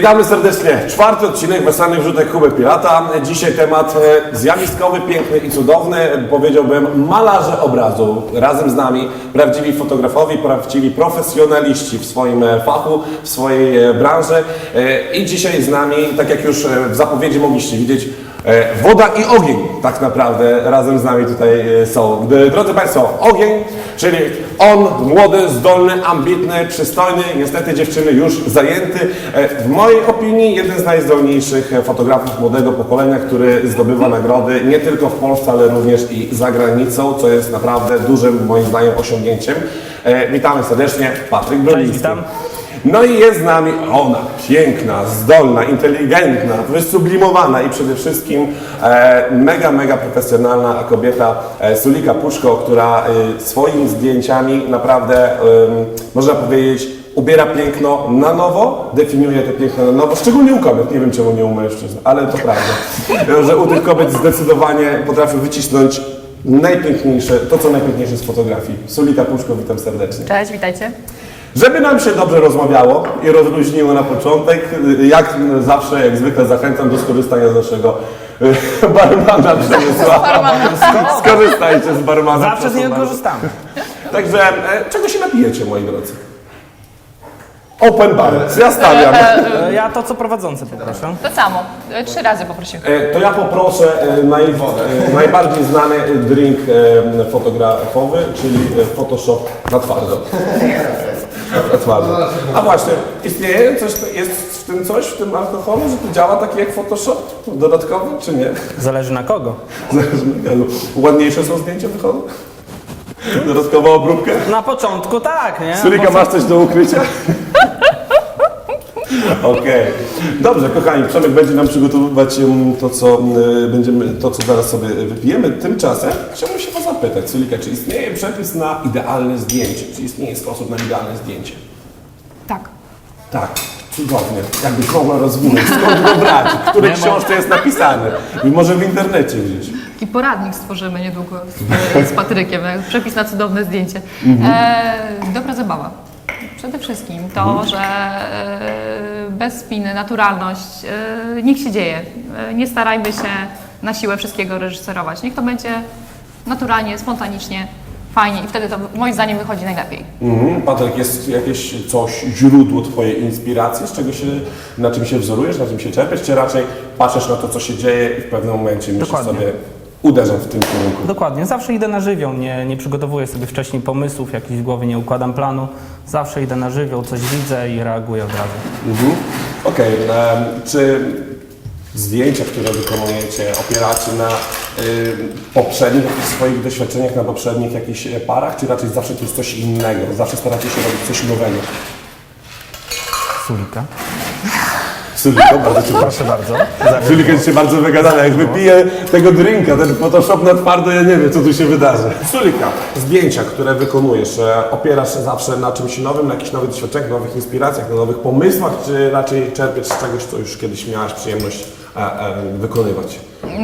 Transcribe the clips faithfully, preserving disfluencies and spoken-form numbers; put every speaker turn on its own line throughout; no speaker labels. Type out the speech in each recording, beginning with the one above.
Witamy serdecznie. Czwarty odcinek Weselnych Wrzutek Kuby Pirata. Dzisiaj temat zjawiskowy, piękny i cudowny. Powiedziałbym malarze obrazu. Razem z nami prawdziwi fotografowie, prawdziwi profesjonaliści w swoim fachu, w swojej branży. I dzisiaj z nami, tak jak już w zapowiedzi mogliście widzieć, woda i ogień tak naprawdę razem z nami tutaj są. Drodzy Państwo, ogień, czyli on, młody, zdolny, ambitny, przystojny, niestety dziewczyny już zajęty. W mojej opinii jeden z najzdolniejszych fotografów młodego pokolenia, który zdobywa nagrody nie tylko w Polsce, ale również i za granicą, co jest naprawdę dużym moim zdaniem osiągnięciem. Witamy serdecznie, Patryk Broliński.
Witam.
No i jest z nami ona, piękna, zdolna, inteligentna, wysublimowana i przede wszystkim e, mega, mega profesjonalna kobieta e, Sulika Puszko, która e, swoimi zdjęciami naprawdę, e, można powiedzieć, ubiera piękno na nowo, definiuje to piękno na nowo, szczególnie u kobiet, nie wiem czemu nie u mężczyzn, ale to prawda, że u tych kobiet zdecydowanie potrafi wycisnąć najpiękniejsze, to co najpiękniejsze z fotografii. Sulika Puszko, witam serdecznie.
Cześć, witajcie.
Żeby nam się dobrze rozmawiało i rozluźniło na początek, jak zawsze, jak zwykle zachęcam do skorzystania z naszego barmana Przemysława. Skorzystajcie z barmana.
Zawsze z niego korzystamy.
Także czego się napijecie, moi drodzy? Open bar, ja stawiam.
E, Ja to co prowadzący poproszę.
To samo, e, trzy razy poprosiłem.
To ja poproszę naj, najbardziej znany drink fotografowy, czyli Photoshop na twardo. Na twardo. A właśnie, istnieje coś, jest w tym coś, w tym alkoholu, że to działa taki jak Photoshop dodatkowy, czy nie?
Zależy na kogo.
Zależy na kogo. Ładniejsze są zdjęcia wychodzą? Dodatkowa obróbka?
Na początku tak, nie?
Sulika, masz coś do ukrycia? Okej. Okay. Dobrze, kochani, Przemek będzie nam przygotowywać to co, będziemy, to, co zaraz sobie wypijemy. Tymczasem chciałbym się Was zapytać, Sulika, czy istnieje przepis na idealne zdjęcie? Czy istnieje sposób na idealne zdjęcie?
Tak.
Tak, cudownie. Jakbyś mogła rozwinąć, skąd go brać, w której książce jest napisane? I może w internecie gdzieś.
Taki poradnik stworzymy niedługo z, z Patrykiem, przepis na cudowne zdjęcie. E, dobra zabawa. Przede wszystkim to, mhm. że e, bez spiny, naturalność, e, niech się dzieje. E, nie starajmy się na siłę wszystkiego reżyserować. Niech to będzie naturalnie, spontanicznie, fajnie i wtedy to moim zdaniem wychodzi najlepiej.
Mhm. Patryk, jest jakieś coś, źródło Twojej inspiracji, z czego się, na czym się wzorujesz, na czym się czerpiesz, czy raczej patrzysz na to, co się dzieje i w pewnym momencie myślisz
Dokładnie.
sobie, uderzam w tym kierunku?
Dokładnie. Zawsze idę na żywioł, nie, nie przygotowuję sobie wcześniej pomysłów, jakichś w głowie nie układam planu. Zawsze idę na żywioł, coś widzę i reaguję od razu.
Mhm. Okej, okay. Czy zdjęcia, które wykonujecie, opieracie na y, poprzednich jakichś swoich doświadczeniach, na poprzednich jakichś parach, czy raczej zawsze to jest coś innego? Zawsze staracie się robić coś nowego?
Sulika.
Sulika, bardzo Cię
Proszę bardzo.
Sulika jest się bardzo wygadana. Jak wypiję tego drinka, ten Photoshop na twardo, ja nie wiem, co tu się wydarzy. Sulika, zdjęcia, które wykonujesz, opierasz się zawsze na czymś nowym, na jakichś nowych doświadczeniach, nowych inspiracjach, na nowych pomysłach, czy raczej czerpiesz z czegoś, co już kiedyś miałaś przyjemność e, e, wykonywać?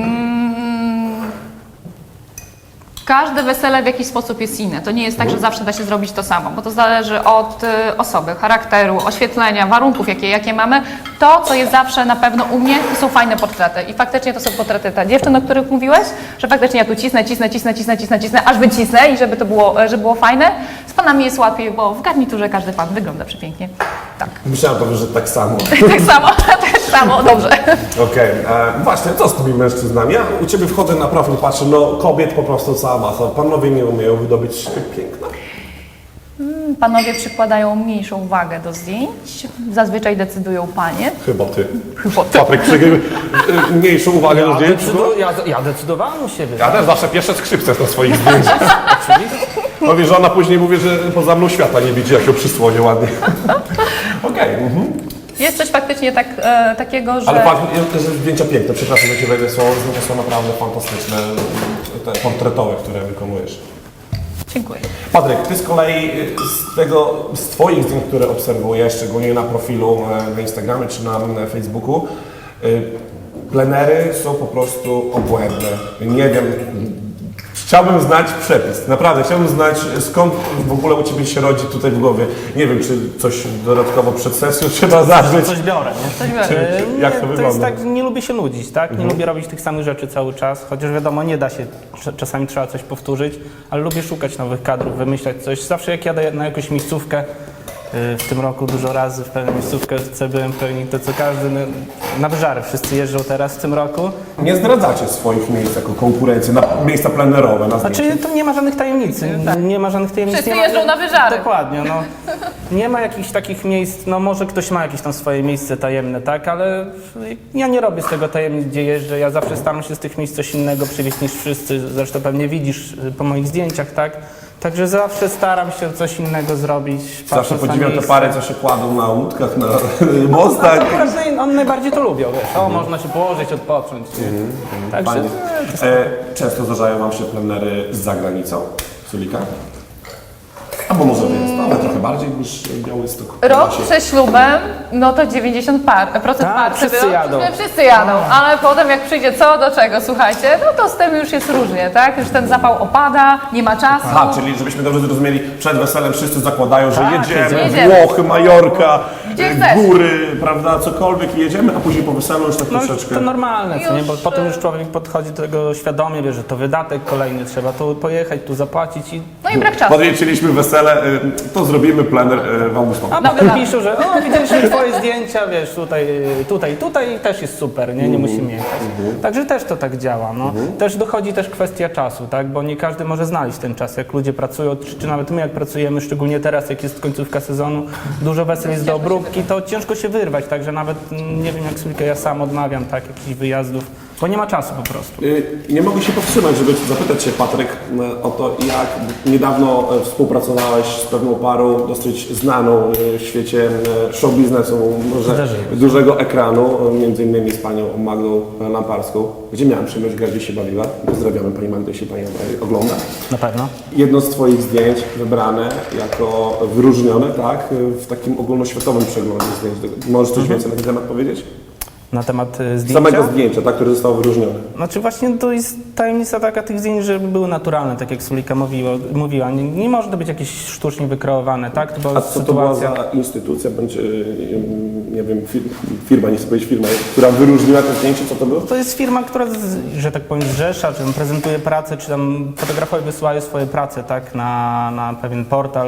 Każde wesele w jakiś sposób jest inne. To nie jest tak, że zawsze da się zrobić to samo, bo to zależy od y, osoby, charakteru, oświetlenia, warunków, jakie, jakie mamy. To, co jest zawsze na pewno u mnie, to są fajne portrety. I faktycznie to są portrety ta dziewczyn, o których mówiłeś, że faktycznie ja tu cisnę, cisnę, cisnę, cisnę, cisnę, cisnę, aż wycisnę i żeby to było, żeby było fajne. Z panami jest łatwiej, bo w garniturze każdy pan wygląda przepięknie. Tak.
Myślałem to, że tak samo.
tak samo, tak samo, dobrze.
Okej, okay. Właśnie, co z tymi mężczyznami? Ja u Ciebie wchodzę na profil, patrzę, no kobiet po prostu cała masa. Panowie nie umieją wydobyć piękna?
Panowie przykładają mniejszą wagę do zdjęć, zazwyczaj decydują panie.
Chyba Ty.
Chyba ty.
Patryk, przy... mniejszą uwagę do
Ja,
zdjęć?
decydu- ja, ja decydowałem u siebie.
Ja też zawsze pierwsze skrzypce na swoich zdjęciach. Powie, że ona później mówi, że poza mną świata nie widzi, jak ją przysłonie ładnie. Okej. Okay. Mhm.
Jest coś faktycznie tak, e, takiego, że...
Ale patrz, te zdjęcia piękne, przepraszam, że Cię wejdę słowo, zdjęcia są naprawdę fantastyczne, te portretowe, które wykonujesz.
Dziękuję.
Patryk, Ty z kolei z tego, z Twoich zdjęć, które obserwuję, szczególnie na profilu na Instagramie czy na Facebooku, plenery są po prostu obłędne. Nie wiem, Chciałbym znać przepis, naprawdę, chciałbym znać skąd w ogóle u Ciebie się rodzi tutaj w głowie. Nie wiem, czy coś dodatkowo przed sesją trzeba zażyć.
Coś biorę, nie?
Coś biorę.
E,
Jak
nie,
to
to jest
wygląda?
tak, nie lubię się nudzić, tak? Nie lubię robić tych samych rzeczy cały czas, chociaż wiadomo, nie da się, cz- czasami trzeba coś powtórzyć, ale lubię szukać nowych kadrów, wymyślać coś. Zawsze jak jadę na jakąś miejscówkę, y, w tym roku dużo razy w pewną miejscówkę byłem pełni to co każdy, na, na wyżary wszyscy jeżdżą teraz w tym roku.
Nie zdradzacie swoich miejsc jako konkurencję, na miejsca plenerowe, na zdjęcie.
Znaczy, to nie ma żadnych tajemnic, nie ma żadnych tajemnic.
Wszyscy
nie ma,
jeżdżą na wyżary.
Dokładnie, no. Nie ma jakichś takich miejsc, no może ktoś ma jakieś tam swoje miejsce tajemne, tak, ale ja nie robię z tego tajemnic, gdzie jeżdżę, ja zawsze staram się z tych miejsc coś innego przywieźć niż wszyscy, zresztą pewnie widzisz po moich zdjęciach, tak. Także zawsze staram się coś innego zrobić.
Zawsze
patrząc na
podziwiam te
miejsce.
pary, co się kładą na łódkach, na mostach.
No, one- one najbardziej to lubią, wiesz, o, można się położyć, odpocząć. nie? Także
Fajnie. E, często zdarzają Wam się plenery z zagranicą, Sulika? Albo może wyjazdowe, trochę bardziej niż Białystok.
Rok
Się-
przed ślubem, no to dziewięćdziesiąt par, procent
Tak,
par.
wszyscy
sobie-
jadą.
no, Wszyscy jadą, ale potem jak przyjdzie co do czego, słuchajcie, no to z tym już jest różnie, tak? Już ten zapał opada, nie ma czasu.
Aha, czyli żebyśmy dobrze zrozumieli, przed weselem wszyscy zakładają, że
Tak,
jedziemy,
jedziemy.
Włochy, Majorka,
Gdzie
e,
chcesz.
góry, prawda, cokolwiek i jedziemy, a później po weselu już tak
no,
troszeczkę...
to normalne, co nie? Bo
Już,
potem
e,
już człowiek podchodzi do tego świadomie, wie, że to wydatek kolejny, trzeba tu pojechać, tu zapłacić i
No i brak czasu.
Podjęliśmy wesele, y, to zrobimy plener y, w Augustowcu.
A
No,
potem
tak.
piszą, że o, widzieliśmy twoje zdjęcia, wiesz, tutaj, tutaj, tutaj też jest super, nie, nie musimy jechać. Także też to tak działa, no. Też dochodzi też kwestia czasu, tak, bo nie każdy może znaleźć ten czas, jak ludzie pracują, czy, czy nawet my jak pracujemy, szczególnie teraz, jak jest końcówka sezonu, dużo wesel jest do obróbki, to ciężko się wyrwać, także nawet, mm, nie wiem jak Sulika, ja sam odmawiam, tak, jakichś wyjazdów, bo nie ma czasu po prostu.
Y, Nie mogę się powstrzymać, żeby zapytać się, Patryk, y, o to, jak niedawno y, współpracowałeś z pewną parą dosyć znaną y, w świecie y, show biznesu, może
Zdarzyło się.
dużego ekranu, y, między innymi z panią Magdą Lamparską, gdzie miałem przyjemność grać, gdzie się bawiła. Pozdrawiamy Pani Magdę, jeśli Pani ogląda.
Na pewno.
Jedno z Twoich zdjęć wybrane jako wyróżnione, tak, y, w takim ogólnoświatowym przeglądzie zdjęć. Możesz coś więcej na ten temat powiedzieć?
Na temat y, zdjęcia.
Samego zdjęcia, tak, które zostało wyróżnione.
Znaczy właśnie to jest tajemnica taka tych zdjęć, żeby były naturalne, tak jak Sulika mówiła. mówiła. Nie, nie może to być jakieś sztucznie wykreowane, tak? To była
A co to była
sytuacja.
za instytucja, bądź, yy, nie wiem, fir- firma, nie chcę powiedzieć firma, która wyróżniła to zdjęcie, co to było?
To jest firma, która, z, że tak powiem, zrzesza, czy tam prezentuje pracę, czy tam fotografowie wysyłają swoje prace, tak? Na, na pewien portal,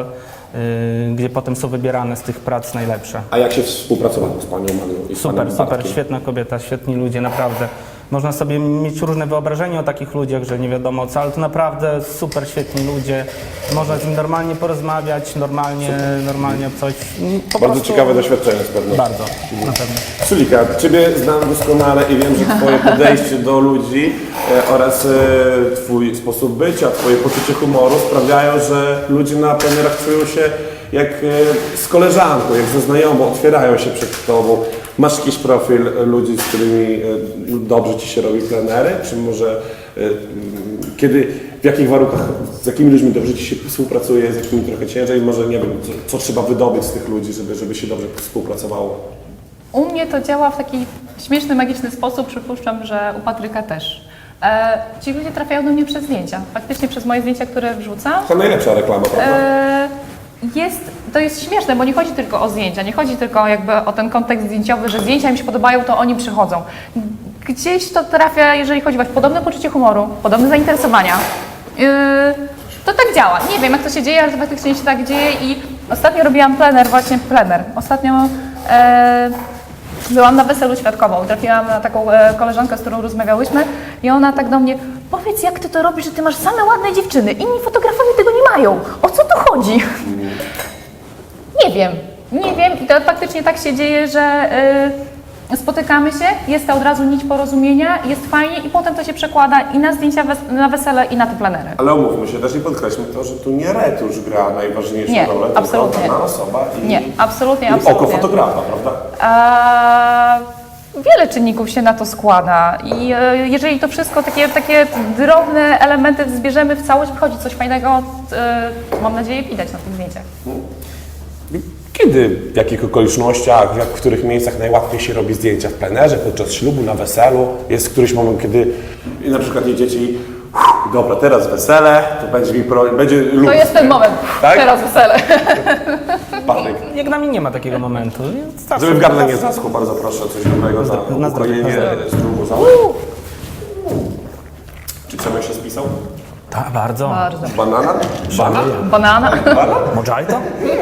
yy, gdzie potem są wybierane z tych prac najlepsze.
A jak się współpracowało z Panią Magdą i z
Super,
Panem
super,
Bartkiem?
świetna kobieta, świetni ludzie, naprawdę. Można sobie mieć różne wyobrażenie o takich ludziach, że nie wiadomo co, ale to naprawdę super, świetni ludzie. Można z nimi normalnie porozmawiać, normalnie, normalnie coś. Po
Bardzo
prostu-
ciekawe doświadczenie z pewnością.
Bardzo, na pewno.
Sulika, Ciebie znam doskonale i wiem, że Twoje podejście do ludzi e, oraz e, Twój sposób bycia, Twoje poczucie humoru sprawiają, że ludzie na plenerach czują się jak e, z koleżanką, jak ze znajomą, otwierają się przed Tobą. Masz jakiś profil ludzi, z którymi e, dobrze Ci się robi plenery? Czy może e, m, kiedy, w jakich warunkach, z jakimi ludźmi dobrze Ci się współpracuje, z jakimi trochę ciężej? Może nie wiem, co, co trzeba wydobyć z tych ludzi, żeby, żeby się dobrze współpracowało?
U mnie to działa w taki śmieszny, magiczny sposób, przypuszczam, że u Patryka też. E, ci ludzie trafiają do mnie przez zdjęcia, faktycznie przez moje zdjęcia, które wrzucam.
To najlepsza reklama, prawda?
E, jest, to jest śmieszne, bo nie chodzi tylko o zdjęcia, nie chodzi tylko jakby o ten kontekst zdjęciowy, że zdjęcia im się podobają, to oni przychodzą. Gdzieś to trafia, jeżeli chodzi o podobne poczucie humoru, podobne zainteresowania. Yy, to tak działa. Nie wiem, jak to się dzieje, ale to faktycznie się tak dzieje i ostatnio robiłam plener, właśnie plener. Ostatnio e, byłam na weselu świadkową, trafiłam na taką e, koleżankę, z którą rozmawiałyśmy i ona tak do mnie: powiedz, jak ty to robisz, że ty masz same ładne dziewczyny, inni fotografowie tego nie mają, o co tu chodzi? Nie wiem, nie wiem i to faktycznie tak się dzieje, że y, spotykamy się, jest to od razu nić porozumienia, jest fajnie i potem to się przekłada i na zdjęcia wes- na wesele i na te plenery.
Ale umówmy się też i podkreślmy to, że tu nie retusz gra najważniejszą
Nie,
rolę,
absolutnie.
tylko dana osoba i,
Nie, absolutnie,
i
absolutnie.
oko fotografa, prawda?
A, wiele czynników się na to składa i e, jeżeli to wszystko, takie, takie drobne elementy zbierzemy w całość, wychodzi coś fajnego, e, mam nadzieję widać na tych zdjęciach.
Kiedy, w jakich okolicznościach, jak, w których miejscach najłatwiej się robi zdjęcia w plenerze, podczas ślubu, na weselu? Jest któryś moment, kiedy na przykład jedziecie i Dobra, teraz wesele, to będzie mi pro... będzie luz.
To jest ten moment,
Tak?
teraz wesele.
Patryk.
Jak na mnie nie ma takiego momentu. Zawsze-
Żeby w gardle nie zaschło, bardzo proszę, coś dobrego
zdro-
na
na zdrowie,
ukrojenie
na zdrowie.
z drugu zały. Czy Przemek się spisał?
Tak, bardzo.
Bardzo.
Banana? Banan?
Banana.
Banan?
Mojito?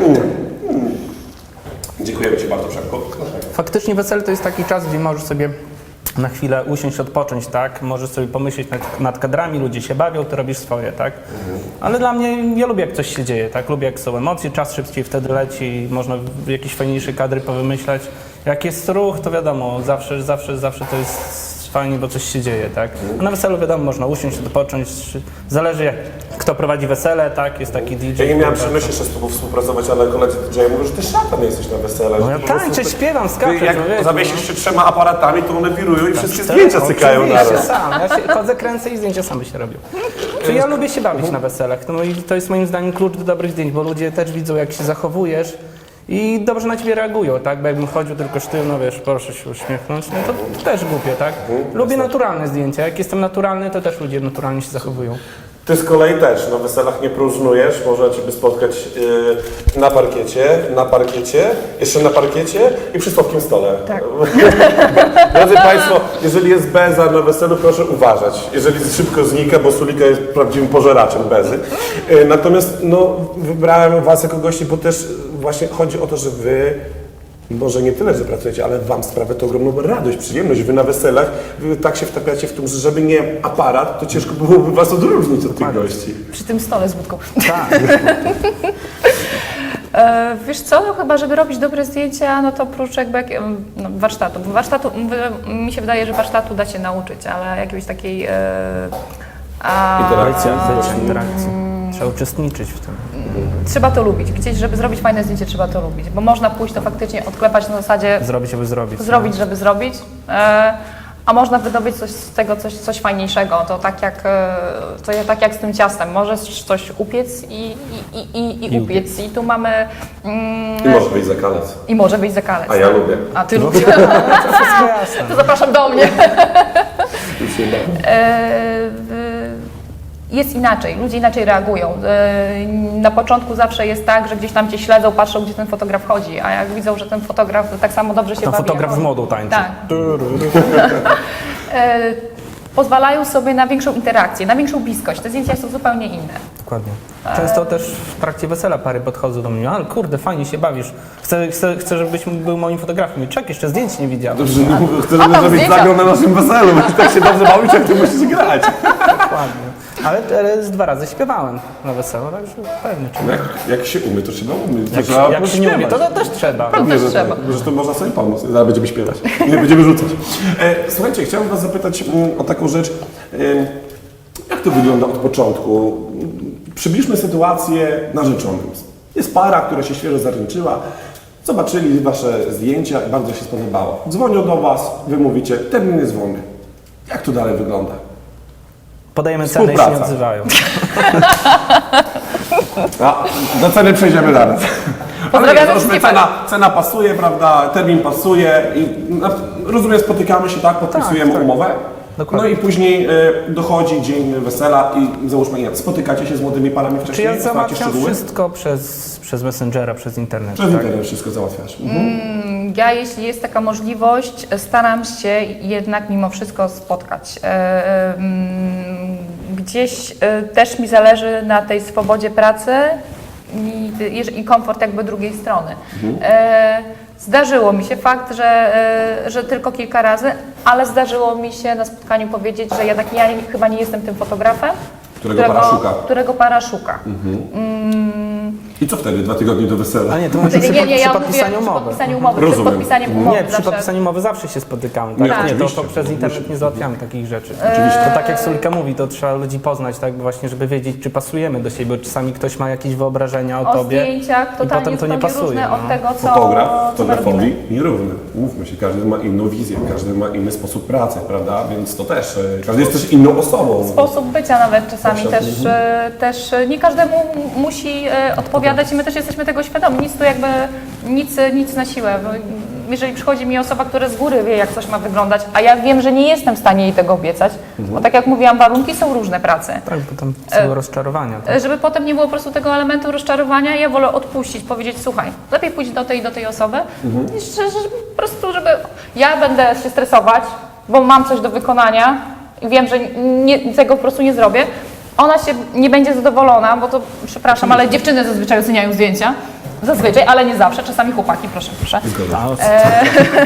Dziękujemy Ci bardzo, Przemku.
Faktycznie wesele to jest taki czas, gdzie możesz sobie na chwilę usiąść, odpocząć, tak? Możesz sobie pomyśleć nad, nad kadrami, ludzie się bawią, ty robisz swoje, tak? Ale dla mnie, ja lubię jak coś się dzieje, tak? Lubię jak są emocje, czas szybciej wtedy leci, można jakieś fajniejsze kadry powymyślać. Jak jest ruch, to wiadomo, zawsze, zawsze, zawsze to jest fajnie, bo coś się dzieje, tak? A na weselu wiadomo, można usiąść, odpocząć, zależy jak kto prowadzi wesele, tak? Jest taki D J.
Ja nie miałem
który-
przyjemności jeszcze z Tobą współpracować, ale koledzy D J mówią, że Ty szatan jesteś na wesele.
No
że
ja
po prostu
tańczę,
ty-
śpiewam,
Ty
skaczę,
jak
człowieku,
zawiesisz się trzema aparatami, to one wirują i wszystkie
Tak,
zdjęcia cykają
oczywiście,
naraz.
sam. Ja się chodzę, kręcę i zdjęcia same się robią. Czyli ja lubię się bawić na weselach. No i to jest moim zdaniem klucz do dobrych zdjęć, bo ludzie też widzą, jak się zachowujesz i dobrze na ciebie reagują, tak? Bo jakbym chodził tylko sztywno, wiesz, proszę się uśmiechnąć, no to też głupie, tak? Lubię naturalne zdjęcia. Jak jestem naturalny, to też ludzie naturalnie się zachowują.
Ty z kolei też na weselach nie próżnujesz, można Ciebie spotkać yy, na parkiecie, na parkiecie, jeszcze na parkiecie i przy słodkim stole.
Tak.
Drodzy Państwo, jeżeli jest beza na weselu, proszę uważać. Jeżeli szybko znika, bo Sulika jest prawdziwym pożeraczem bezy. Yy, natomiast no, wybrałem Was jako gości, bo też właśnie chodzi o to, że Wy może nie tyle, że pracujecie, ale Wam sprawia to ogromną radość, przyjemność. Wy na weselach wy tak się wtapiacie w tym, że żeby nie aparat, to ciężko byłoby Was odróżnić od tych gości.
Przy tym stole z wódką.
Tak.
E, wiesz co, no chyba żeby robić dobre zdjęcia, no to oprócz jakby jak, no, warsztatu. Bo warsztatu, mówię, mi się wydaje, że warsztatu da się nauczyć, ale jakiejś takiej... E, a,
Interakcja.
Interakcja, interakcja. Trzeba uczestniczyć w tym.
Trzeba to lubić. Gdzieś, żeby zrobić fajne zdjęcie, trzeba to lubić. Bo można pójść to faktycznie odklepać na zasadzie
Zrobić, aby zrobić.
zrobić, żeby zrobić. E, a można wydobyć coś z tego, coś, coś fajniejszego. To tak jak, e, to ja- tak jak z tym ciastem. Możesz coś upiec i, i, i, i, i upiec. I tu mamy... Mm,
I może być zakalec.
I może być zakalec.
A ja lubię.
A ty lubisz?
Wszystko jasne.
To zapraszam do mnie.
Już nie ma.
E, w- jest inaczej, ludzie inaczej reagują. E, Na początku zawsze jest tak, że gdzieś tam cię śledzą, patrzą, gdzie ten fotograf chodzi, a jak widzą, że ten fotograf tak samo dobrze się
Tam
bawi.
fotograf
jak
z
on.
modą tańczy.
Tak. E, Pozwalają sobie na większą interakcję, na większą bliskość. Te zdjęcia są zupełnie inne.
Dokładnie. Często też w trakcie wesela pary podchodzą do mnie, ale kurde, fajnie się bawisz. Chcę, chcę, chcę żebyś był moim fotografem. I czek, jeszcze zdjęć nie widziałem.
Dobrze, chcę,
A
żeby
tam
zrobić
zdjęcia.
zagrał na naszym weselu, bo tak się dobrze bawić, jak Ty musisz grać.
Dokładnie. Ale, ale z dwa razy śpiewałem na weselu, także pewnie. Czy...
Jak, jak się umie, to trzeba umieć. To
Jak,
trzeba
jak się nie umie, to,
pośpiewać.
to też trzeba.
To
Nie,
też
że,
trzeba.
tak, że to można sobie pomóc. Zaraz będziemy śpiewać. Nie będziemy rzucać. E, słuchajcie, chciałbym Was zapytać mm, o taką rzecz. E, jak to wygląda od początku? Przybliżmy sytuację narzeczonym. Jest para, która się świeżo zaręczyła. Zobaczyli Wasze zdjęcia i bardzo się spodobało. Dzwonią do Was, Wy mówicie, termin jest wolny. Jak to dalej wygląda?
Podajemy cenę i się nie
Współpraca.
odzywają.
A, do ceny przejdziemy zaraz.
Pozdrawiamy
Ale nie, załóżmy,
wszystkie
cena, cena pasuje, prawda, termin pasuje i na, rozumiem, spotykamy się, tak, podpisujemy
tak.
umowę.
Dokładnie.
No i później e, dochodzi dzień wesela i załóżmy, nie, spotykacie się z młodymi parami
Czy
wcześniej,
ja
znacie
załatwiam
szczegóły?
wszystko przez, przez Messengera, przez internet.
Przez
tak?
internet wszystko załatwiasz. Mhm.
Ja, jeśli jest taka możliwość, staram się jednak mimo wszystko spotkać. E, mm, Gdzieś e, też mi zależy na tej swobodzie pracy i, i- i komfort jakby drugiej strony. E, Zdarzyło mi się fakt, że, e, że tylko kilka razy, ale zdarzyło mi się na spotkaniu powiedzieć, że jednak ja nie, chyba nie jestem tym fotografem,
Którego para szuka.
którego para szuka.
I co wtedy, dwa tygodnie do wesela?
A nie, to mówisz przy,
Nie, nie, nie,
przy
ja
podpisaniu
mówię przy
umowy.
podpisaniu umowy,
Rozumiem.
przed podpisaniem umowy
Nie, przy
zawsze.
podpisaniu umowy zawsze się spotykamy. Tak?
Nie,
Nie, to,
oczywiście,
to przez internet
oczywiście.
nie załatwiamy takich rzeczy.
Eee.
To tak jak Sulika mówi, to trzeba ludzi poznać, tak, właśnie, żeby wiedzieć, czy pasujemy do siebie, bo czasami ktoś ma jakieś wyobrażenia o,
O
tobie
zdjęciach
i
totalnie
potem to nie
zupełnie
pasuje.
różne
No.
od tego, co,
Fotograf,
co my
fotografowi
robimy.
nierówny. Mówmy się, każdy ma inną wizję, każdy ma inny sposób pracy, prawda? Więc to też, e, każdy jest też inną osobą.
Sposób bycia nawet czasami
Proszę.
też, e, też e, nie każdemu m- musi e, odpowiadać i my też jesteśmy tego świadomi. Nic tu jakby, nic, nic na siłę. Bo jeżeli przychodzi mi osoba, która z góry wie, jak coś ma wyglądać, a ja wiem, że nie jestem w stanie jej tego obiecać, bo tak jak mówiłam, warunki są różne pracy.
Tak, bo tam całe rozczarowania. Tak?
Żeby potem nie było po prostu tego elementu rozczarowania, ja wolę odpuścić, powiedzieć, słuchaj, lepiej pójść do tej i do tej osoby, niż że, że po prostu, żeby ja będę się stresować, bo mam coś do wykonania i wiem, że nie, tego po prostu nie zrobię. Ona się nie będzie zadowolona, bo to, przepraszam, ale dziewczyny zazwyczaj oceniają zdjęcia. Zazwyczaj, ale nie zawsze, czasami chłopaki, proszę, proszę. E,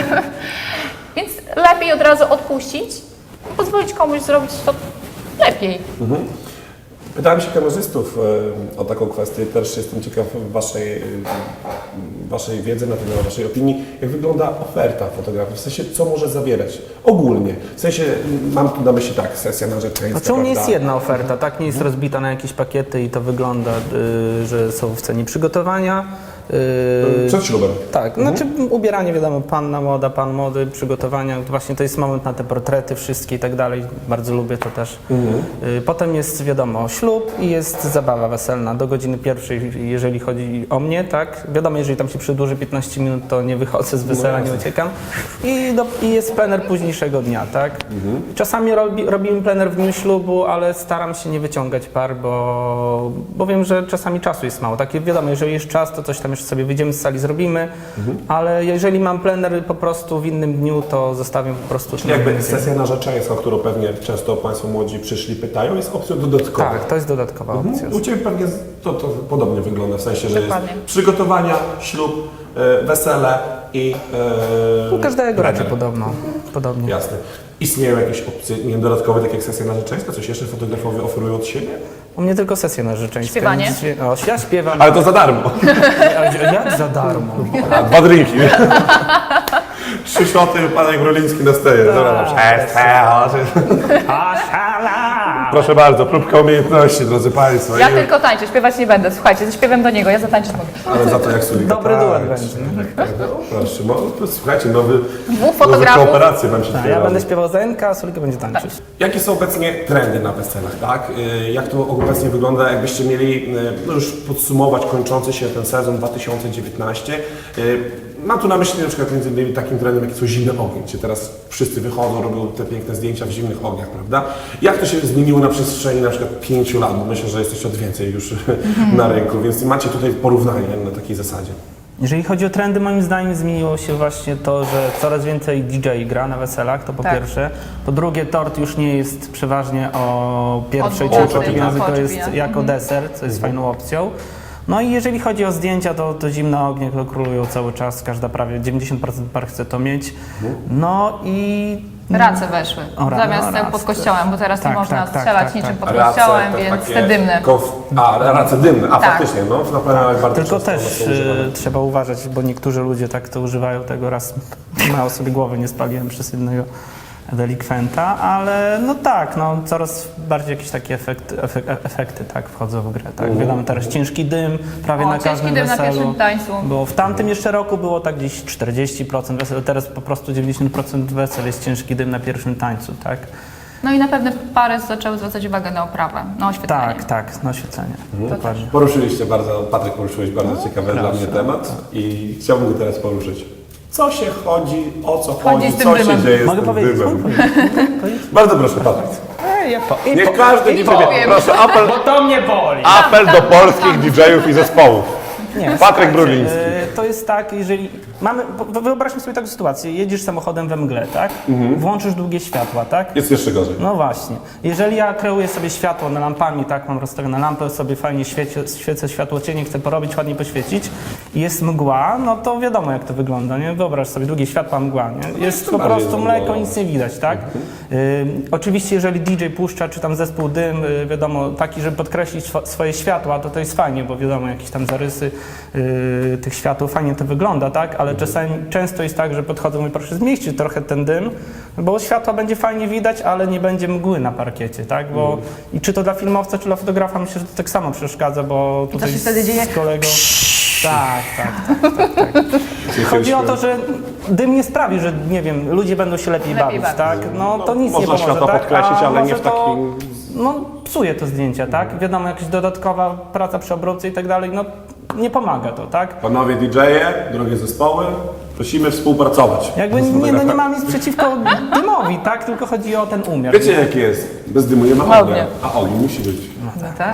więc lepiej od razu odpuścić, pozwolić komuś zrobić to lepiej.
Mhm. Pytałem się kamerzystów e, o taką kwestię, też jestem ciekaw waszej, e, waszej wiedzy na temat, waszej opinii, jak wygląda oferta fotografii, w sensie co może zawierać ogólnie, w sensie mam tu na myśli tak, sesja narzeczeństwa,
Znaczy u mnie jest
prawda?
jedna oferta, tak? Nie jest rozbita na jakieś pakiety i to wygląda, y, że są w cenie przygotowania. y,
Przed ślubem.
Tak, znaczy ubieranie wiadomo, panna moda, pan mody, przygotowania, właśnie to jest moment na te portrety wszystkie i tak dalej, bardzo lubię to też. Y, Potem jest wiadomo ślub i jest zabawa weselna do godziny pierwszej, jeżeli chodzi o mnie, tak? Wiadomo, jeżeli tam się przedłuży piętnaście minut, to nie wychodzę z wesela, nie uciekam. I, do, i jest plener późniejszego dnia, tak? Czasami robi, robimy plener w dniu ślubu, ale staram się nie wyciągać par, bo, bo wiem, że czasami czasu jest mało. Tak, wiadomo, jeżeli jest czas, to coś tam jeszcze sobie wyjdziemy z sali, zrobimy, ale jeżeli mam plener po prostu w innym dniu, to zostawiam po prostu...
Czyli jakby sesja narzeczeństwa, którą pewnie często Państwo młodzi przyszli, pytają, jest opcją dodatkową.
Tak, to jest dodatkowa opcja.
U Ciebie pewnie to, to podobnie wygląda, w sensie, że
Dokładnie.
jest przygotowania, ślub, e, wesele i e,
U każdego raczej
plener.
podobno, podobnie.
Jasne. Istnieją jakieś opcje, nie wiem, dodatkowe, tak jak sesja narzeczeństwa? Coś jeszcze fotografowie oferują od siebie?
U mnie tylko sesje narzeczeńskie.
Śpiewanie?
Nic wie- O, ja śpiewam.
Ale to za darmo.
A jak za darmo?
A, dwa drinki. Trzy szoty, Panek Bruliński na steje. Dobra,
A szala!
proszę bardzo, próbka umiejętności, drodzy Państwo.
Ja
I-
tylko tańczę, śpiewać nie będę. Słuchajcie, ze śpiewem do niego, ja zatańczyć mogę.
Ale za to jak sobie
Dobry
tak,
duet będzie, nie?
Proszę, no, to słuchajcie, nowy,
Dwóch
nowe
fotografów.
kooperacje nam się
A ja
otwierają.
będę śpiewał Zenka, a Sulika będzie tańczyć.
Jakie są obecnie trendy na weselach, tak? Y, Jak to obecnie wygląda, jakbyście mieli y, no już podsumować kończący się ten sezon dwa tysiące dziewiętnasty? Y, Mam tu na myśli na przykład między innymi takim trendem, jak są zimne ognie, gdzie teraz wszyscy wychodzą, robią te piękne zdjęcia w zimnych ogniach, prawda? Jak to się zmieniło na przestrzeni na przykład pięciu lat? Bo myślę, że jesteście od więcej już na rynku, więc macie tutaj porównanie na takiej zasadzie.
Jeżeli chodzi o trendy, moim zdaniem zmieniło się właśnie to, że coraz więcej D J gra na weselach, to po
Tak.
pierwsze. Po drugie, tort już nie jest przeważnie o pierwszej
Od
czy o
dwudziestej,
czwartej,
tak.
to
Po
jest
oczywiście.
jako deser, co jest fajną opcją. No i jeżeli chodzi o zdjęcia, to, to zimne ognie to królują cały czas, każda prawie dziewięćdziesiąt procent par chce to mieć. No i...
Race weszły,
O, ra-
zamiast
no,
ceł
race
pod kościołem, bo teraz
Tak,
nie można
tak, tak,
strzelać
tak,
niczym
tak.
pod kościołem,
to
więc
takie
te dymne.
Kof... A, race dymne, a
Tak.
faktycznie, no, na pewno bardzo
Tylko
często one
też
są używane.
y, trzeba uważać, bo niektórzy ludzie tak to używają tego, raz mało sobie głowy nie spaliłem przez jednego delikwenta, ale no tak, no coraz bardziej jakieś takie efekty, efek, efekty tak wchodzą w grę, tak. Wiadomo, teraz ciężki dym prawie
O,
na
ciężki
każdym
dym na
weselu.
pierwszym tańcu.
Bo w tamtym jeszcze roku było tak gdzieś czterdzieści procent wesel, teraz po prostu dziewięćdziesiąt procent wesel jest ciężki dym na pierwszym tańcu, tak?
No i na pewne pary zaczęły zwracać uwagę na oprawę, na oświetlenie.
Tak, tak, na oświetlenie. Dokładnie.
Poruszyliście bardzo, Patryk, poruszyłeś bardzo ciekawy dla mnie temat i chciałbym go teraz poruszyć. Co się chodzi, o co
Chodzi
chodzi,
z tym
co
dymem.
się dzieje
Mogę
z tym
powiedzieć?
dymem?
Mogę powiedzieć?
Bardzo proszę, Patryk.
Ej, ja po, i
Niech
po,
każdy
i
D J,
powiem.
proszę, apel,
Bo to mnie boli.
apel do polskich D J-ów i zespołów.
Nie,
Patryk
słuchajcie,
Bruliński.
e, To jest tak, jeżeli mamy, po- wyobraźmy sobie taką sytuację, jedziesz samochodem we mgle, tak? Włączysz długie światła, tak?
Jest jeszcze gorzej.
No właśnie. Jeżeli ja kreuję sobie światło na lampami, tak, mam rozstawione lampy, sobie fajnie świecie, świecę światło cienie, chcę porobić, ładnie poświecić i jest mgła, no to wiadomo jak to wygląda, nie? Wyobraź sobie, długie światła, mgła, nie? Jest
to
po
bardziej
prostu
zamgłowo.
mleko, nic nie widać, tak? Y, oczywiście jeżeli D J puszcza, czy tam zespół dym, y, wiadomo, taki, żeby podkreślić swo- swoje światła, to to jest fajnie, bo wiadomo, jakieś tam zarysy y, tych światł, fajnie to wygląda, tak? Ale czasami, często jest tak, że podchodzą i proszę zmieścić trochę ten dym, bo światła będzie fajnie widać, ale nie będzie mgły na parkiecie, tak? Bo i czy to dla filmowca, czy dla fotografa, myślę, że to tak samo przeszkadza, bo tutaj
się wtedy dzieje?
z kolegą... Tak, tak, tak, tak, tak. Chodzi o to, że dym nie sprawi, że nie wiem, ludzie będą się lepiej,
Lepiej
bawić,
bawić.
tak? No to nic nie
można
pomoże,
światła
tak?
podkreślić,
A
ale nie
może
w
to,
takim-
no psuje to zdjęcia, tak? Wiadomo, jakaś dodatkowa praca przy obróbce i tak dalej, no nie pomaga to, tak?
Panowie D J-e, drogie zespoły, Prosimy współpracować.
Jakby
z
nie, no nie
fotografem.
mam nic przeciwko dymowi, tak? Tylko chodzi o ten umiar.
Wiecie jak jest? Bez dymu nie ma
Ładnie.
ognia, a ogień musi być.
No tak.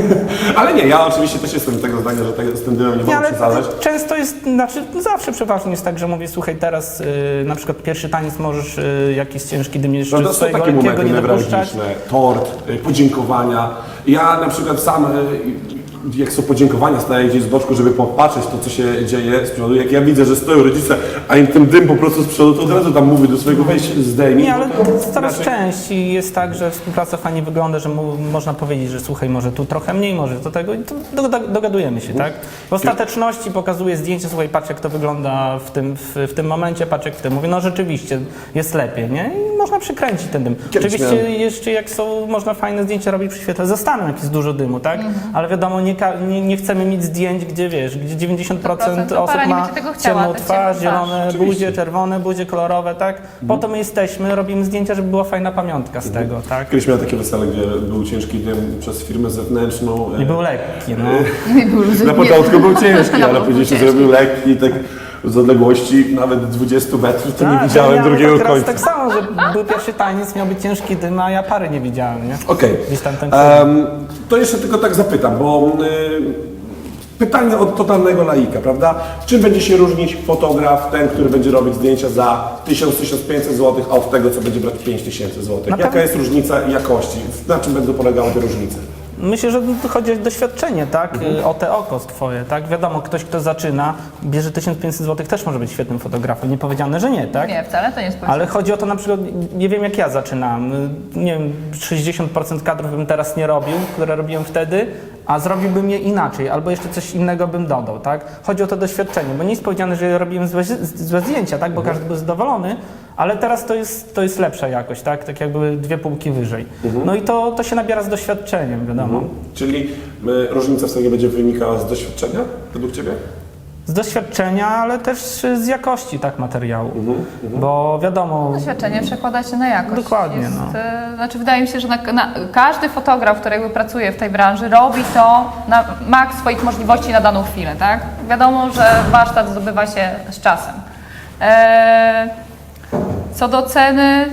Ale nie, ja oczywiście też jestem tego zdania, że te- z tym dymem nie
Nie,
wolno
ale
przesadzać.
często jest, znaczy zawsze przeważnie jest tak, że mówię, słuchaj, teraz y, na przykład pierwszy taniec możesz y, jakiś ciężki dym jeszcze
Prawda, są
swojego
takie
lekkiego
momenty
nie dopuszczać.
newralgiczne, tort, y, podziękowania. Ja na przykład sam, y, jak są podziękowania, staję gdzieś z boczku, żeby popatrzeć to, co się dzieje z przodu. Jak ja widzę, że stoją rodzice, a im ten dym po prostu z przodu, to od razu tam mówię do swojego wejść, zdejmij.
Nie, ale
bo to
coraz
inaczej-
częściej jest tak, że współpraca fajnie wygląda, że mu, można powiedzieć, że słuchaj, może tu trochę mniej, może do tego i to do, do, dogadujemy się, tak? W ostateczności pokazuję zdjęcie, słuchaj, patrz jak to wygląda w tym, w, w tym momencie, patrz jak w tym. Mówię, no rzeczywiście jest lepiej, nie? I można przykręcić ten dym.
Kiedyś
Oczywiście
miałem-
jeszcze jak są, można fajne zdjęcia robić przy świetle, zostaną jak jest dużo dymu, tak? Ale wiadomo, nie, ka- nie, nie chcemy mieć zdjęć, gdzie wiesz, gdzie dziewięćdziesiąt procent
to para
osób
nie
ma
będzie tego chciała,
ciemną
tak
twarz,
ciemną twarz.
zielone
Oczywiście.
buzie, czerwone buzie, kolorowe, tak? Po to my jesteśmy, robimy zdjęcia, żeby była fajna pamiątka z tego, tak?
Kiedyś miałem takie wesele, gdzie był ciężki dym przez firmę zewnętrzną.
I
e,
był lekki, no.
Nie był
Na początku był ciężki,
No,
ale
był
później się
ciężki.
zrobił lekki, tak z odległości nawet dwudziestu metrów, to nie
Tak,
widziałem
ja miałem
drugiego
tak,
końca.
tak samo, że był pierwszy taniec, miał być ciężki dym, a ja pary nie widziałem, nie?
Okej.
Gdzieś tam ten
Em, to jeszcze tylko tak zapytam, bo y, pytanie od totalnego laika, prawda? Czym będzie się różnić fotograf, ten, który będzie robić zdjęcia za tysiąc do tysiąca pięćset złotych, a od tego, co będzie brać pięć tysięcy złotych?
Na
Jaka
pewno-
jest różnica jakości? Na czym będą polegały te różnice?
Myślę, że tu chodzi o doświadczenie, tak? Y, O te oko twoje, tak? Wiadomo, ktoś, kto zaczyna, bierze tysiąc pięćset złotych, też może być świetnym fotografem. Nie powiedziane, że nie, tak?
Nie, wcale to nie jest powiedziane.
Ale chodzi o to na przykład, nie wiem jak ja zaczynałem, y, nie wiem, sześćdziesiąt procent kadrów bym teraz nie robił, które robiłem wtedy, a zrobiłbym je inaczej, albo jeszcze coś innego bym dodał, tak? Chodzi o to doświadczenie, bo nie jest powiedziane, że robiłem złe, złe zdjęcia, tak? Bo każdy był zadowolony, ale teraz to jest, to jest lepsza jakość, tak? Tak jakby dwie półki wyżej. No i to, to się nabiera z doświadczeniem, wiadomo.
Czyli y, różnica w sobie będzie wynikała z doświadczenia, według Ciebie?
Z doświadczenia, ale też z jakości, tak, materiału. Bo wiadomo,
Doświadczenie przekłada się na jakość.
Dokładnie,
Jest,
no.
e, Znaczy wydaje mi się, że na, na, każdy fotograf, który jakby pracuje w tej branży, robi to na maks swoich możliwości na daną chwilę, tak? Wiadomo, że warsztat zdobywa się z czasem. E, co do ceny,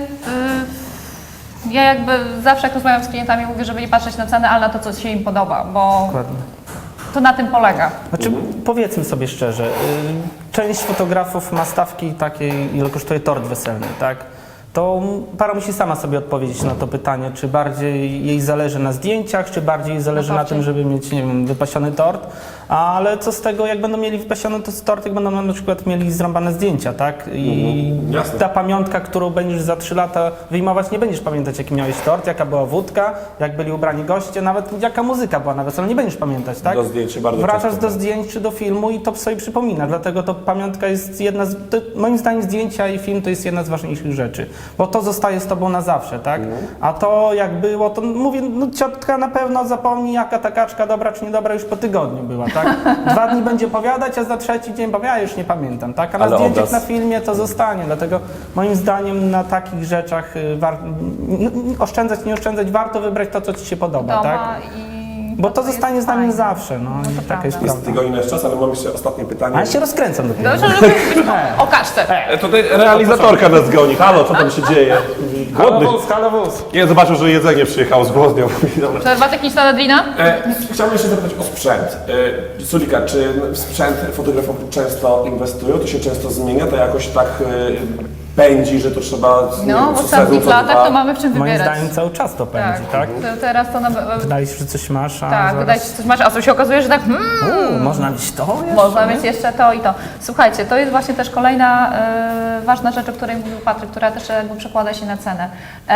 y, ja jakby zawsze jak rozmawiam z klientami mówię, żeby nie patrzeć na cenę, ale na to, co się im podoba, bo
dokładnie.
to na tym polega.
Znaczy, powiedzmy sobie szczerze, y, część fotografów ma stawki takiej, ile kosztuje tort weselny, tak? To para musi sama sobie odpowiedzieć na to pytanie, czy bardziej jej zależy na zdjęciach, czy bardziej jej zależy
Na
na
torcie.
tym, żeby mieć, nie wiem, wypasiony tort. Ale co z tego, jak będą mieli wypasiony to tort, jak będą na przykład mieli zrąbane zdjęcia, tak? I
Mhm, jasne.
ta pamiątka, którą będziesz za trzy lata wyjmować, nie będziesz pamiętać, jaki miałeś tort, jaka była wódka, jak byli ubrani goście, nawet jaka muzyka była na weselu, nie będziesz pamiętać, tak?
Do zdjęć się bardzo
Wracasz
często
do zdjęć czy do filmu i to sobie przypomina, dlatego to pamiątka jest jedna z, to, moim zdaniem zdjęcia i film to jest jedna z ważniejszych rzeczy, bo to zostaje z tobą na zawsze, tak? A to jak było, to mówię, no ciotka na pewno zapomni, jaka ta kaczka dobra czy niedobra już po tygodniu była, tak? Dwa dni będzie opowiadać, a za trzeci dzień powie, ja już nie pamiętam, tak? A na
Ale
zdjęciach,
obraz-
na filmie to zostanie, dlatego moim zdaniem na takich rzeczach y, war, n- n- oszczędzać, nie oszczędzać, warto wybrać to, co ci się podoba,
Doma
tak?
i
Bo to
jest
zostanie z nami
fajne.
zawsze, no,
to
i taka
prawda.
jest
Jest
prawda.
tygodnia jest czas, ale mam jeszcze ostatnie pytanie.
A ja się rozkręcam dopiero.
Dobrze, żeby o kaczce.
E, Tutaj realizatorka nas goni. Halo, co tam się dzieje? Głodny.
Halo wóz, halo wóz.
Nie, zobaczył, że jedzenie przyjechało z głodnią. Dobra.
Przerwa techniczna na Drina?
E, chciałbym jeszcze zapytać o sprzęt. E, Sulika, czy w sprzęt fotografowie często inwestują? To się często zmienia? To jakoś tak e, pędzi, że to trzeba... nie
No,
wiem,
w
co
ostatnich
sezon, co
latach
dwa?
to mamy w czym
Moim
wybierać.
zdaniem cały czas to pędzi, tak?
To teraz to na...
Wydaje się, że coś masz, a
Tak,
zaraz...
wydaje się, że coś masz, a tu się okazuje, że tak hmm,
U, można mieć to jeszcze,
można
nie?
mieć jeszcze to i to. Słuchajcie, to jest właśnie też kolejna e, ważna rzecz, o której mówił Patryk, która też jakby przekłada się na cenę.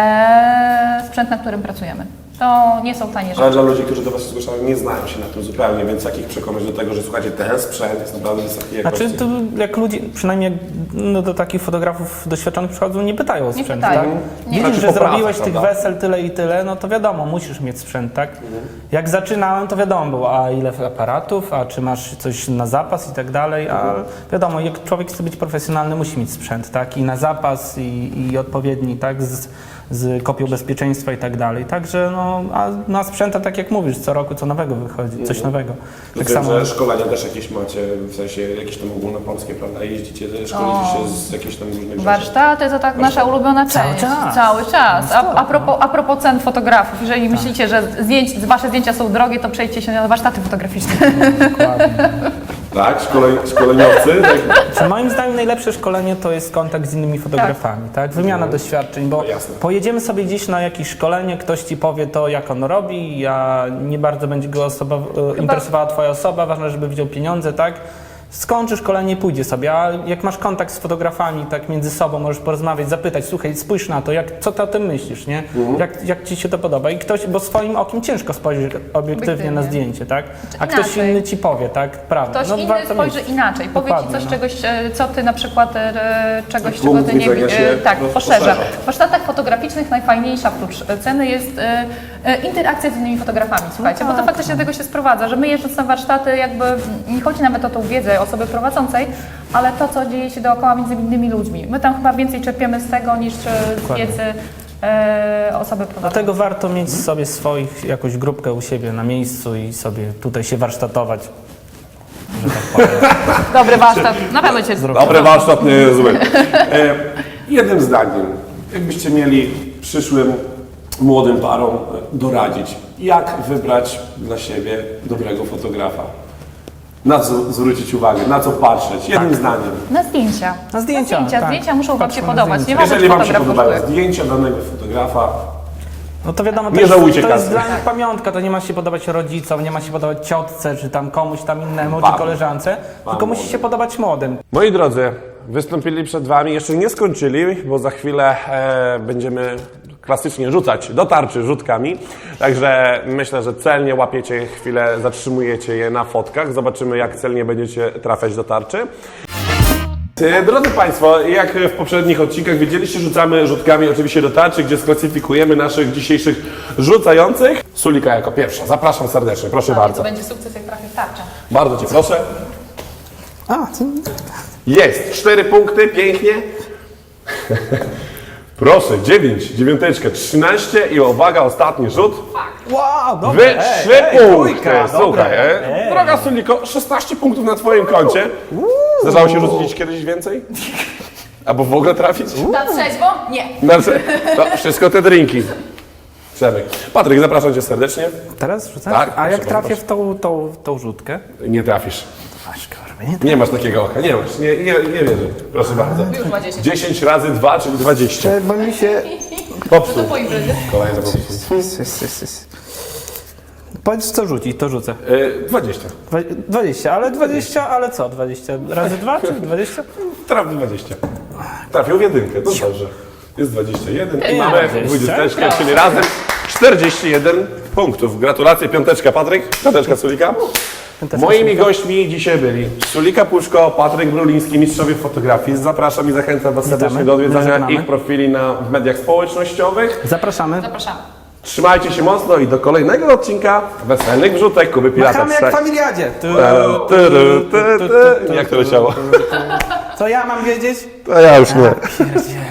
E, sprzęt, na którym pracujemy. To nie są tanie
Ale
rzeczy.
dla ludzi, którzy do Was się zgłaszają, nie znają się na tym zupełnie, więc jak ich przekonać do tego, że słuchajcie, ten sprzęt jest naprawdę wysokiej jakości?
Znaczy, to jak ludzie, przynajmniej jak, no, do takich fotografów doświadczonych przychodzą, nie pytają o
Nie
sprzęt,
pytają.
tak?
Nie.
Widzisz,
Znaczy
że
po pracy,
zrobiłeś tych
prawda?
wesel tyle i tyle, no to wiadomo, musisz mieć sprzęt, tak? Jak zaczynałem, to wiadomo było, a ile aparatów, a czy masz coś na zapas i tak dalej, a wiadomo, jak człowiek chce być profesjonalny, musi mieć sprzęt, tak? I na zapas, i, i odpowiedni, tak? Z, z kopią bezpieczeństwa i tak dalej. Także no, a na sprzęta, tak jak mówisz, co roku co nowego wychodzi, coś nowego. Tak
Wiem,
samo.
że szkolenia też jakieś macie, w sensie jakieś tam ogólnopolskie, prawda? Jeździcie, szkolicie się z jakichś tam różnych rzeczy.
Warsztaty to tak nasza ulubiona część.
Cały czas.
Cały czas. A, a, propos, a propos cen fotografów, jeżeli myślicie, że zdjęć, wasze zdjęcia są drogie, to przejdźcie się na warsztaty fotograficzne.
Dokładnie.
Tak? Szkoleń, szkoleniowcy? Tak?
Czy moim zdaniem najlepsze szkolenie to jest kontakt z innymi fotografami, tak? Wymiana doświadczeń, bo
No jasne.
pojedziemy sobie gdzieś na jakieś szkolenie, ktoś ci powie to, jak on robi, ja nie bardzo będzie go osoba, e, interesowała twoja osoba, ważne, żeby wziął pieniądze, tak? Skończy szkolenie i pójdzie sobie, a jak masz kontakt z fotografami, tak między sobą możesz porozmawiać, zapytać, słuchaj, spójrz na to, jak, co ty o tym myślisz, nie? Jak, jak ci się to podoba? I ktoś, bo swoim okiem ciężko spojrzeć obiektywnie,
Obiektywnie.
na zdjęcie, tak? A ktoś
inaczej.
inny ci powie, tak? Prawda.
Ktoś
No,
inny
warto
spojrzy
mieć.
inaczej, powie ci
Dokładnie,
coś,
no.
czegoś, e, co ty na przykład, e, czegoś, czego
Punkt
ty nie
widzenia
widzisz.
się
Tak,
roz-
poszerza.
poszerza.
W warsztatach fotograficznych najfajniejsza oprócz ceny jest e, e, interakcja z innymi fotografami, słuchajcie, bo to faktycznie do tego się sprowadza, że my jeżdżąc na warsztaty jakby, nie chodzi nawet o tą wiedzę osoby prowadzącej, ale to, co dzieje się dookoła między innymi ludźmi. My tam chyba więcej czerpiemy z tego niż e, z
Dokładnie.
wiedzy e, osoby prowadzącej.
Dlatego warto mieć sobie swoich, jakąś grupkę u siebie na miejscu i sobie tutaj się warsztatować. Że tak powiem.
Dobry warsztat, na pewno cię
Dobry warsztat, nie jest zły. E, jednym zdaniem, jakbyście mieli przyszłym młodym parom doradzić, jak wybrać dla siebie dobrego fotografa? Na co zwrócić uwagę, na co patrzeć? Jednym zdaniem.
Na zdjęcia.
Na zdjęcia,
zdjęcia,
tak.
zdjęcia muszą Wam się
Patrzmy na
podobać.
zdjęcia.
Nie ważne,
Jeżeli
czy
Wam się
fotograf
podobają
kosztuje.
zdjęcia danego fotografa,
No to wiadomo, to
Nie
jest,
żałujcie
to jest
kasy.
dla nich pamiątka, to nie ma się podobać rodzicom, nie ma się podobać ciotce, czy tam komuś tam innemu,
Panu.
czy koleżance, tylko musi się podobać młodym.
moi drodzy, wystąpili przed Wami, jeszcze nie skończyli, bo za chwilę e, będziemy klasycznie rzucać do tarczy rzutkami. Także myślę, że celnie łapiecie chwilę, zatrzymujecie je na fotkach. Zobaczymy, jak celnie będziecie trafiać do tarczy. E, Drodzy Państwo, jak w poprzednich odcinkach widzieliście, rzucamy rzutkami oczywiście do tarczy, gdzie sklasyfikujemy naszych dzisiejszych rzucających. Sulika jako pierwsza. Zapraszam serdecznie, proszę
To
bardzo.
będzie sukces, jak trafi w tarczę.
Bardzo Cię proszę.
A, to...
Jest, cztery punkty, pięknie. Proszę, dziewięć, dziewiąteczkę, trzynaście i uwaga, ostatni rzut.
Wow, dobra.
Wy
ej,
trzy
ej,
punkty.
trójka,
Słuchaj,
dobra.
e? droga Suliko, szesnaście punktów na Twoim koncie. Zdarzało się rzucić kiedyś więcej? Albo w ogóle trafić?
Na trzeźwo? Nie.
Znaczy, to wszystko te drinki. Przemek. Patryk, zapraszam Cię serdecznie.
Teraz rzucam?
Tak,
A
proszę
jak
bardzo,
trafię w tą, tą, tą rzutkę?
Nie trafisz.
Aż kurwa, nie
Nie masz takiego oka, nie masz. Nie, nie, nie wierzę. Proszę bardzo.
Już ma dziesięć.
dziesięć razy dwa, czyli dwadzieścia.
Bo mi się...
Popsuł.
Po imprezie.
Kolejne popsuł.
Powiedz co rzucić, to rzucę.
E, dwadzieścia.
Dwa- dwadzieścia, ale dwadzieścia, ale co? dwadzieścia razy dwa, czy dwadzieścia?
Trafił dwadzieścia. Trafił w jedynkę, no dobrze. Jest dwadzieścia jeden i
Ej,
mamy
dwadzieścia.
dwudziesteczkę, czyli razem czterdzieści jeden punktów. Gratulacje, piąteczka Patryk, piąteczka Sulika.
Piąteczka
Moimi gośćmi dzisiaj byli Sulika Puszko, Patryk Bruliński, mistrzowie fotografii. Zapraszam i zachęcam Was serdecznie
Witamy.
do odwiedzania
Żegnamy.
ich profili na w mediach społecznościowych.
Zapraszamy.
Zapraszamy.
Trzymajcie się mocno i do kolejnego odcinka Weselnych Wrzutek Kuby Pirata.
Machamy jak w
Trzech.
familiadzie. Tu,
Ty, ty, ty, ty. Jak to leciało?
Co ja mam wiedzieć?
To ja już nie.
Pierdziele.